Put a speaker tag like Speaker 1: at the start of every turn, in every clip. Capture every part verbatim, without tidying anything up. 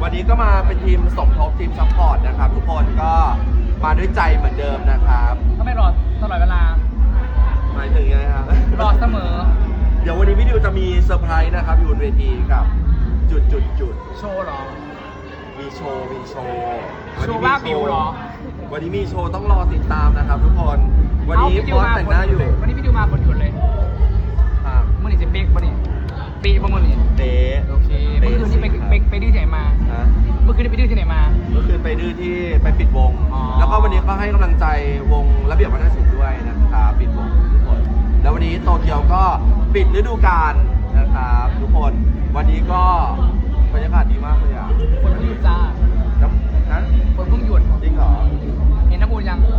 Speaker 1: วันนี้ก็มาเป็นทีมสมทบทีมซัพพอร์ตนะครับทุกคนก็มาด้วยใจเหมือนเดิมนะครับ
Speaker 2: ก็ไม่รอตลอดเวลา
Speaker 1: หมายถึงไงครับ
Speaker 2: รอเสมอ
Speaker 1: เดี๋ยววันนี้พี่ดิวจะมีเซอร์ไพรส์นะครับอยู่บนเวทีกับจุดจุดจุด
Speaker 2: โชว์หรอ
Speaker 1: มีโชว์มีโชว์
Speaker 2: โชว์ว่าบิวหรอ
Speaker 1: วันนี้มีโชว์ต้องรอติดตามนะครับทุกคนวันนี้บอสแต่งหน้าอยู่
Speaker 2: วันนี้พี่ดิวมาบนหยุดเลยเมื่อนี้จะเป๊กป่ะนี่ปีป่ะมื่อนี้
Speaker 1: เป๊ะ
Speaker 2: โอเคเมื่อคืนที่ไปไปไปดื้อที่ไหนมาเมื่อคืนที่ไปดื้อที่ไหนมา
Speaker 1: เมื่อคืนไปดื้อที่ไปปิดวงแล้วก็วันนี้ก็ให้กำลังใจวงระเบียบวัฒนศิลป์ด้วยนะครับปิดวงทุกคนแล้ววันนี้โตเกียวก็ปิดฤดูกาลนะครับทุกคนวันนี้ก็บรรยากาศดีมากเลยอ่ะ
Speaker 2: ฝนเพิ่งหยุดจ้า
Speaker 1: ฮะ
Speaker 2: ฝนเพิ่งหยุด
Speaker 1: จริงเหรอ
Speaker 2: เห็นน้ำมูลยัง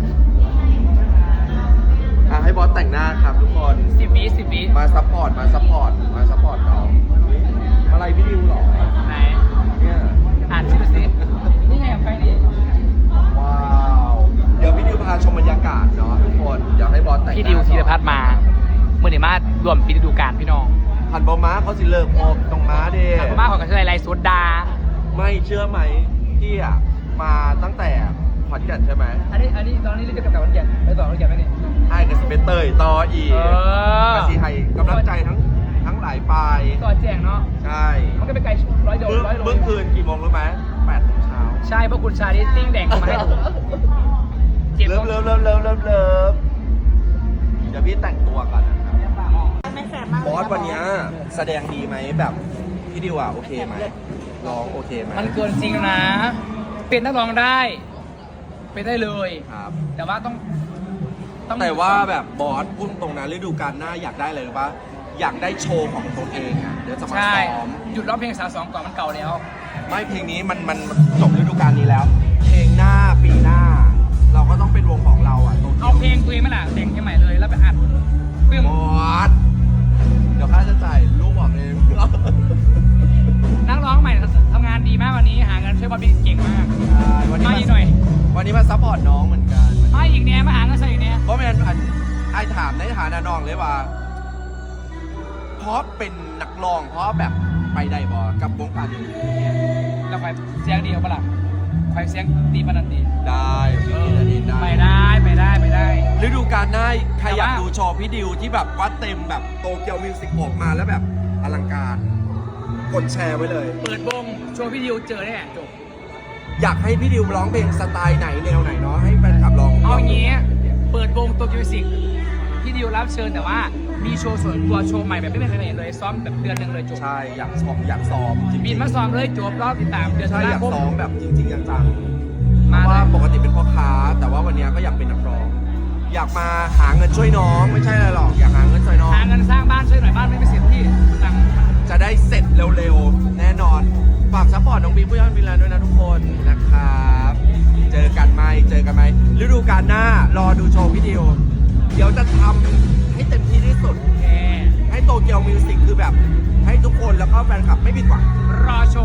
Speaker 1: อ่ะให้บอสแต่งหน้าครับทุกคน
Speaker 2: สิบวิสิบวิ
Speaker 1: มาซัพพอร์ตมาซัพพอร์ตมาซัพพอร์ตน้องอะไรพี่ดิวหรอ
Speaker 2: ไหน
Speaker 1: เนี่ย
Speaker 2: อ่านชื่อสินี่ไงไปนี่
Speaker 1: ว้าวเดี๋ยวพี่ดิวพาชมบรรยากาศเนาะทุกคนเดี๋ยวให้บอสแต่ง
Speaker 2: พี่ดิวธีรพัฒน์มาเมื่อไหร่มารวมปีฤดูกาลพี่น้อง
Speaker 1: หันบอม้าเขาสิเลิกโอบตรงม้าเด้
Speaker 2: หันบอม้าของกันอะไรไรสุดดา
Speaker 1: ไม่เชื่อไหมพี่อ่ะมาตั้งแต่ขอนแก่นใช่ไหม
Speaker 2: อันนี้อันนี้ตอนนี้เรียกกับขอนแก่นไปต่อขอนแก่นไหมนี่
Speaker 1: ไอ้กับสเปเตอร์ต่ออีกกระสีไทยกำลังใจทั้งทั้งหลายปลาย
Speaker 2: ต่อแจงเนาะ
Speaker 1: ใช่
Speaker 2: มันก็ไปไกลร้อยโลร้อยโล
Speaker 1: เมื่อคืนกี่โมงรู้ไหมแปดโมงเช้า
Speaker 2: ใช่เพราะคุณชาดิติ้งแดงมาให้ถูก
Speaker 1: เริ่มเริ่มเริ่มเริ่มเริ่มเริ่มเดี๋ยวพี่แต่งตัวก่อนนะครับบอสวันนี้แสดงดีไหมแบบพี่ดิวอ่ะโอเคไหมร้องโอเคไหม
Speaker 2: มันเกินจริงนะเป็นนักร้องได้เป็นได้เลย
Speaker 1: ครับ
Speaker 2: แต่ว่าต้อง
Speaker 1: แต่ว่าแบบบอสพูดตรงนั้นฤดูกาลหน้าอยากได้เลยหรือปะอยากได้โชว์ของตัวเองอ่ะเดี๋ยวจะมาซ้อม
Speaker 2: หยุดร้องเพลงสาวสองก่อนมันเก่าแล้ว
Speaker 1: ไม่เพลงนี้มันมันจบฤดูกาลนี้แล้วเพลงหน้าปีหน้าเราก็ต้องเป็นวงของเราอ่ะ
Speaker 2: เอาเพลงตัวเองมาล่ะแต่งใหม่เลยแล้วไปอัด
Speaker 1: บอสเดี๋ยวค่าจะจ่ายลูกบอกเอง
Speaker 2: นักร้องใหม่ทำงานดีมากวันนี้หาเงินช่วยบอสบิ๊กเก่งมากมาอีกหน่อย
Speaker 1: วันนี้มาซัพพอร์ตน้องเหมือนกัน
Speaker 2: มาอีกเนี้ยมาหาเงินใส่อีกเนี้ย
Speaker 1: เพราะแมนไอถามในฐานะน้องเลยว่าเพราะเป็นนักร้องเพราะแบบไปได้บอกับวงการนี้
Speaker 2: แล้วใครเสียงดีเอาปะล่ะใครเสียงดีปะนันดี
Speaker 1: ได้
Speaker 2: ไปได้ไปได้ไปได้
Speaker 1: ฤดูกาลหน้าใครอยากดูโชว์พี่ดิวที่แบบวัดเต็มแบบโตเกียวมิวสิกออกมาแล้วแบบอลังการกดแชร์ไว้เลย
Speaker 2: เปิดวงโชว์พี่ดิวเจอแน่จบ
Speaker 1: อยากให้พี่ดิวร้องเพลงสไตล์ไหนแนวไหนเนาะให้แฟนคลับลอง
Speaker 2: เอาอย่างงี้เปิดวงโตเกียวมิวสิกพี่ดิวรับเชิญแต่ว่ามีโชว์ส่วนตัวโชว์ใหม่แบบไม่เคยเห็นเลยซ้อมแบบเดือนหนึ่งเลยจบ
Speaker 1: ใช่อยากซ้อมอยากซ้อม
Speaker 2: บินมาซ้อมเลยจบรอบติดตามเดือน
Speaker 1: ใช่อยากซ้อมแบบจริงๆจังๆเพราะว่าปกติเป็นพ่อค้าแต่ว่าวันนี้ก็อยากเป็นนักร้องอยากมาหาเงินช่วยน้องไม่ใช่อะไรหรอกอยากหาเงินช่วยน้อง
Speaker 2: หาเงินสร้างบ้านช่วยหน่อยบ้านไม่ไปเสร็จที่ตัง
Speaker 1: จะได้เสร็จเร็วๆแน่นอนฝากซัพพอร์ตน้องบีผู้ย่านวิลาด้วยนะทุกคนนะครับเจอกันไหมเจอกันไหมฤดูกาลหน้ารอดูโชว์พี่ดิวเดี๋ยวจะทำให้เต็มที่ที่สุดให้โตเกียวมิวสิกคือแบบให้ทุกคนแล้วก็แฟนคลับไม่ผิดหวัง
Speaker 2: รอชม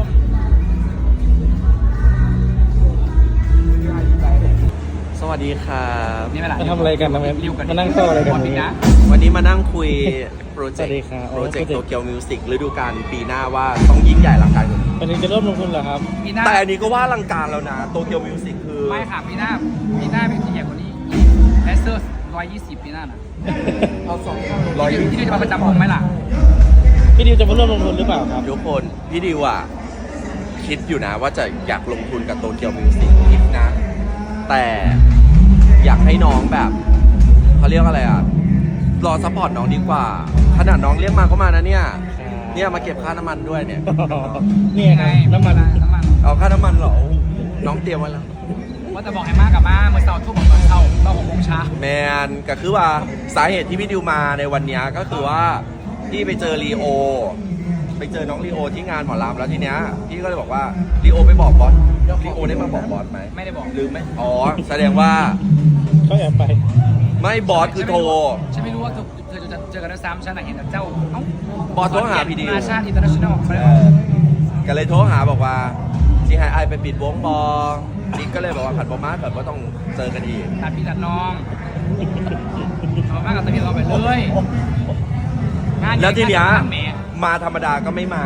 Speaker 1: สวัสดีครับ
Speaker 2: นี่มา
Speaker 3: ทำอะไรกันมานั่งโต๊ะอะไรกัน
Speaker 1: วันนี้มานั่งคุยโปรเจกต์โปรเจกต์โตเกียวมิวสิกฤดูกาลปีหน้าว่าต้องยิ่งใหญ่อลังการกว่านี้
Speaker 3: อันนี้จะเริ่มลงทุนเหรอครับ
Speaker 1: แต่อันนี้ก็ว่าอลังการแล้วนะโตเกียวมิวสิกคือ
Speaker 2: ไม่ค่ะปีหน้าปีหน้าเป็นที่ใหญ่กว่านี้แอสเซอร์ร้อยยี่สิบปีหน้านะ
Speaker 1: เอาสอง
Speaker 2: ร้อยที่ดิวจะมาประจำวงไหมล่ะ
Speaker 3: พี่ดิวจะมาเริ่มลงทุนหรือเปล่าครับ
Speaker 1: ทุกคนพี่ดิวอ่ะคิดอยู่นะว่าจะอยากลงทุนกับโตเกียวมิวสิกคิดนะแต่อยากให้น้องแบบเขาเรียกอะไรอ่ะรอซัพพอร์ตน้องดีกว่าขนาดน้องเรียกมาก็มานะเนี่ยเนี่ยมาเก็บค่าน้ำมันด้วยเนี่ย
Speaker 3: นี่ไงน้ำมัน
Speaker 2: น้ำมัน
Speaker 1: เอาค่าน้ำมันเหรอน้องเตรียมไว้แล้ว
Speaker 2: ว่าจะบอกให้มากกับมาเมื่อเช้าทุ่มตอนเช้าตอนหกโมงเช้า
Speaker 1: แมนก็คือว่าสาเหตุที่พี่ดิวมาในวันนี้ก็คือว่าพี่ไปเจอลีโอไปเจอน้องลีโอที่งานหมอลำแล้วทีเนี้ยพี่ก็เลยบอกว่าลีโอไปบอกบอสลีโอได้มาบอกบอสไหม
Speaker 2: ไม่ได้บอก
Speaker 1: หรือไม่อ๋อแสดงว่า
Speaker 3: เขาแอบไป
Speaker 1: ไม่บอสคือโทร
Speaker 2: ฉันไม่รู้ว่าเธอจะเจอกันด้วยซ้ำฉันเห็นแต่เจ้าเอ้า
Speaker 1: บอสโทรหาพี่ดิว
Speaker 2: นาชาติอินเตอร์เนชั่นแนล
Speaker 1: ก็เลยโทรหาบอกว่าจีไฮไอไปปิดวงบอนี่ก็เลยบอกว่าผัดบอมาแบบว่าต้องเจอกันอีก
Speaker 2: ผัดพี่ผัดน้องเอามากกับตะเกียบเราไปเลย
Speaker 1: แล้วทีเนี้ยมาธรรมดาก็ไม่มาไง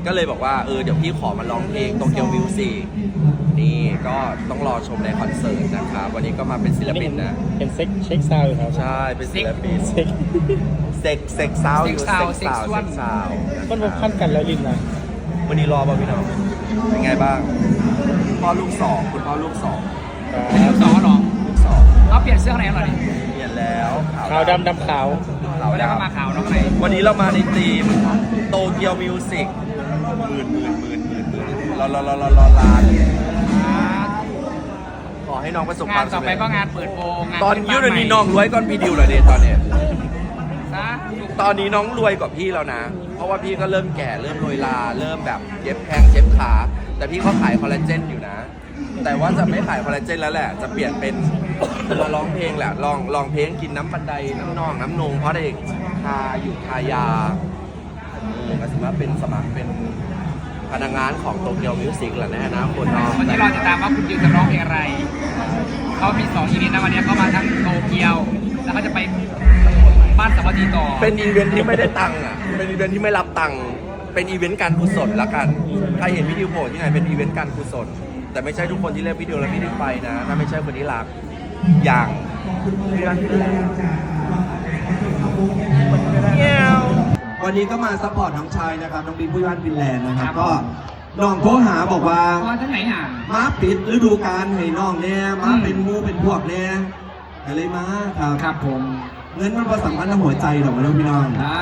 Speaker 1: ก็เลยบอกว่าเออเดี๋ยวพี่ขอมาร้องเพลงโตเกียวมิวสิกนี่ก็ต้องรอชมในคอนเสิร์ตนะครับวันนี้ก็มาเป็นศิลปินนะ
Speaker 3: เป็นเซ็กเช็คซาวด์อยู่ครับ
Speaker 1: ใช่เป็นศิลปิน
Speaker 3: เซ็ก
Speaker 1: เซ็กเซ็กซาวอยู่
Speaker 2: เซ็
Speaker 1: เซ็
Speaker 2: ก
Speaker 1: ก
Speaker 2: ซา
Speaker 1: ซาว ว
Speaker 2: เซ็
Speaker 1: เซ็
Speaker 2: ก
Speaker 1: ก
Speaker 2: ซา
Speaker 1: ซาว ว
Speaker 3: มันรวมขั้นกันแล้วลินนะ
Speaker 1: วันนี้รอป่ะพี่น้องเป็นไงบ้างพ่อลูกสองคุณพ่อลูกสอง
Speaker 2: เป็นลูกสองเหรอ
Speaker 1: ลูกสอง
Speaker 2: เขาเปลี่ยนเสื้ออะไรเหรอเนี่ย
Speaker 1: เปลี่ยนแล้ว
Speaker 3: ขาวดำดำขาว
Speaker 1: ขาว
Speaker 2: ไม่ได้เข้า
Speaker 1: ดำ
Speaker 2: มาขาวเนาะไหน
Speaker 1: วันนี้เรามาในทีมโตเกียวมิวสิกหมื่นหมื่นหมื่นหมื่นหมื่นรอรอรอรอรอลานขอให้น้องประสบคาง
Speaker 2: าม น
Speaker 1: สำ
Speaker 2: ต่อไป
Speaker 1: เร็จ
Speaker 2: ก็งานเปิดโปงงาน
Speaker 1: ตอนยุคนี้น้องรวยก่อนพี่ดิวเลยเดตอนเนี้ย
Speaker 2: ซะ
Speaker 1: ตอนนี้น้องรวยกว่าพี่แล้วนะ เพราะว่าพี่ก็เริ่มแก่เริ่มโรยลาเริ่มแบบเย็บแข้งเย็บขา แต่พี่เขาขายคอลลาเจนอยู่นะ แต่ว่าจะไม่ขายคอลลาเจนแล้วแหละ จะเปลี่ยนเป็นมาร้องเพลงแหละลองลองเพลงกินน้ำบันไดน้ำนองน้ำนงเพราะเด็กทาอยู่ทายาเออก็ถือว่าเป็นสมัครเป็นพนักงานของโตเกียวมิวสิกแหละนะนะคนเนาะ
Speaker 2: วันนี้เราจะตามว่าคุณดิวจะร้องเพลงอะไรเขามีสองอีเวนต์นะวันนี้เขามาทั้งโตเกียวแล้วเขาจะไปบ้านสวัสดีต่อ
Speaker 1: เป็นอีเวนท์ที่ไม่ได้ตังค์อ่ะ เป็นอีเวนท์ที่ไม่รับตังค์ เป็นอีเวนต์การกุศลละกัน ใครเห็นวิดีโอโผล่ที่ไหนเป็นอีเวนต์การกุศล แต่ไม่ใช่ทุกคนที่เล่นวิดีโอแล้วพี่ได้ไปนะ ถ้าไม่ใช่คนที่รัก อย่างเพื่อนวันนี้ก็มาซัพพอร์ตน้องชายนะครับ น้องบิ๊กผู้ย่านฟินแลนด์นะครับ ก็น้องโทรหาบอกว่า
Speaker 2: มาทั้งไหนอ่ะ
Speaker 1: มาปิดฤดูกาลให้น้องเนี่ยมาเป็นหมูเป็นพวกเนี่ยอะไรมาครับ
Speaker 2: ครับผม
Speaker 1: เงินมันประสำคัญกับหัวใจหรอกนะพี่น้อง
Speaker 2: อ่า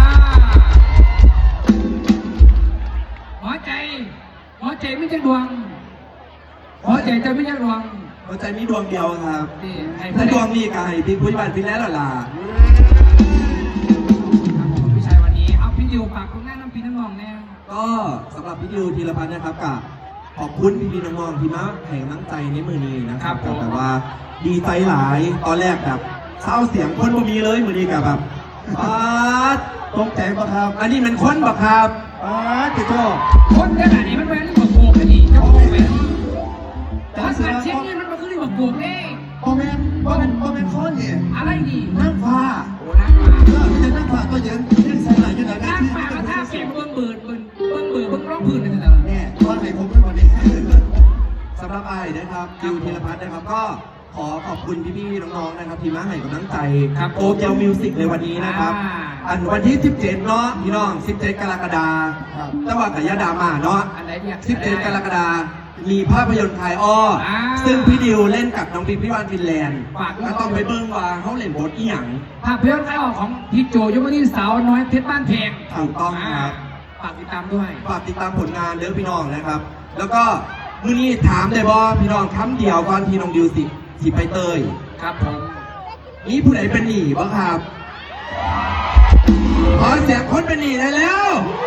Speaker 2: หัวใจหัวใจไม่ใช่ดวงหัวใจจะไม่ใช่ดวง
Speaker 1: หัวใจมีดวงเดียวครับ
Speaker 2: นี่ให้
Speaker 1: ถ้าดวงนี้ก็ให้พี่ผู้ใหญ่พี่แล้วล่ะ
Speaker 2: ครับผมพี่ชายวันนี้เอาพี่ดิวฝากคุณแม่น้ำพี่น้ำนองแน่
Speaker 1: ก็สำหรับพี่ดิวธีรพัฒน์นะครับกับขอบคุณพี่พี่น้องๆที่มาให้กำลังใจในมือนี้นะครับแต่ว่าดีใจหลายตอนแรกแบบเศร้าเสียงคนบ่มีเลยมือนี้กับแบบป๊าดตกใจปะครับ อันนี้มันคนปะครับป๊าดติโต้
Speaker 2: คนขนาดนี้มันเป็นเรื่องโกงกันดิจะโกงไหมแต่ว่าสัตว์เช็คนี่มันมันคือเรื่องโกงเด้
Speaker 4: โมเมนต์โมเมนต์โมเมนต์ข้อเนี่ย
Speaker 2: อะไรดี
Speaker 4: นั่งฟ้า
Speaker 2: โอ้นักมา
Speaker 4: เออไม่ใช่นั่งฟ้าก็ยังยังใส่ไหลยังไง
Speaker 2: นักมาก็ท่าเสียงเบิ้งเบิร์ดเบิ้งเบิ้งเบิร์ดเบิ้งร้องพื้นกันแต่ละ
Speaker 4: เนี่ยตอนไหนผมเป็นวันนี้
Speaker 1: สำหรับไอ้นะครับดิวธีรพัฒน์นะครับก็ขอขอบคุณพี่ๆน้องๆนะครับที่มาให้กำลังใจโตเกียวมิวสิกในวันนี้นะครับ อันวันที่ สิบเจ็ด เนาะพี่น้อง สิบเจ็ด กรกฎาคมจังหวัดกยาดามาเนาะ
Speaker 2: อันไหนเนี่ย
Speaker 1: สิบเจ็ด กรกฎาคมมีภาพยนตร์ไทยอ้ออา ซึ่งพี่ดิวเล่นกับน้องบิ๊กพี่วานฟินแลนด์
Speaker 2: ฝากด้วย
Speaker 1: ก็ต้องไปเบิ้งว่าเขาเล่นบทอีหยัง
Speaker 2: ภาพยนตร์ไทยออกของพี่โจยมนิสาวน้อยเพชรบ้านเพลง
Speaker 1: ถูกต้องครับ
Speaker 2: ฝากติดตามด้วย
Speaker 1: ฝากติดตามผลงานเด้อพี่น้องนะครับ แล้วก็มื้อนี้ถามได้บ่พี่น้องคำเดียวก่อนที่น้องดิวสิสิไปเตย
Speaker 2: ครับผม
Speaker 1: นี่ผู้ใดเป็นหนี้บ้างครับขอเสียงคนเป็นหนี้ได้แล้ว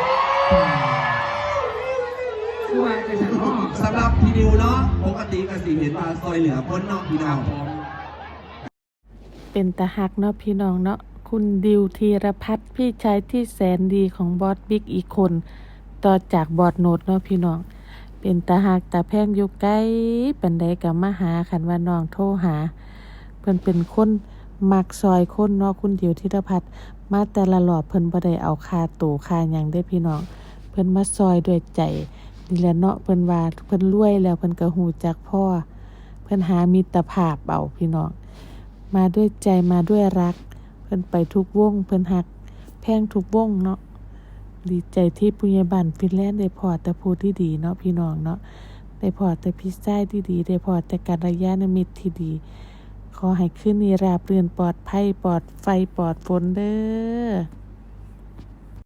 Speaker 2: คือว่าจะฉันพ่อ
Speaker 1: สำหรับพี่ดิวเนาะปกติก็สิเห็นว่าซอยเหลือคนเนาะพี่
Speaker 2: ค
Speaker 1: น้
Speaker 2: รั
Speaker 1: อบ ง
Speaker 2: ผม
Speaker 5: เป็นตาหักเนาะพี่น้องเนาะคุณดิวธีรพัฒน์พี่ชายที่แสนดีของบอสบิ๊กอีกคน ต่อจากบอสโนดเนาะพี่น้อง เป็นตาหักตาแพงอยู่ใกล้ปันใดกับมาหาคันว่าน้องโทรหา เพิ่นเป็นคนมักซอยคนเนาะคุณดิวธีรพัฒน์มาแต่ละรอบเพิ่นบ่ได้เอาค่าตู่ค่าหยังได้พี่น้อง เพิ่นมาซอยด้วยใจนี่แหละเนาะเพิ่นว่าเพิ่นรวยแล้วเพิ่นก็ฮู้จักพ่อเพิ่นหามิตรภาพเอาพี่น้อง มาด้วยใจมาด้วยรัก เพิ่นไปทุกวงเพิ่นหักแพงทุกวงเนาะดีใจที่ปุญญาบันฟินแลนด์ได้พอแต่ผู้ที่ดีเนาะพี่น้องเนาะได้พอแต่พี่ชายที่ดีได้พอแต่กัลยาณมิตรที่ดี ขอให้คืนนี้ราบรื่นปลอดภัยปลอดไฟปลอดฝนเด้อ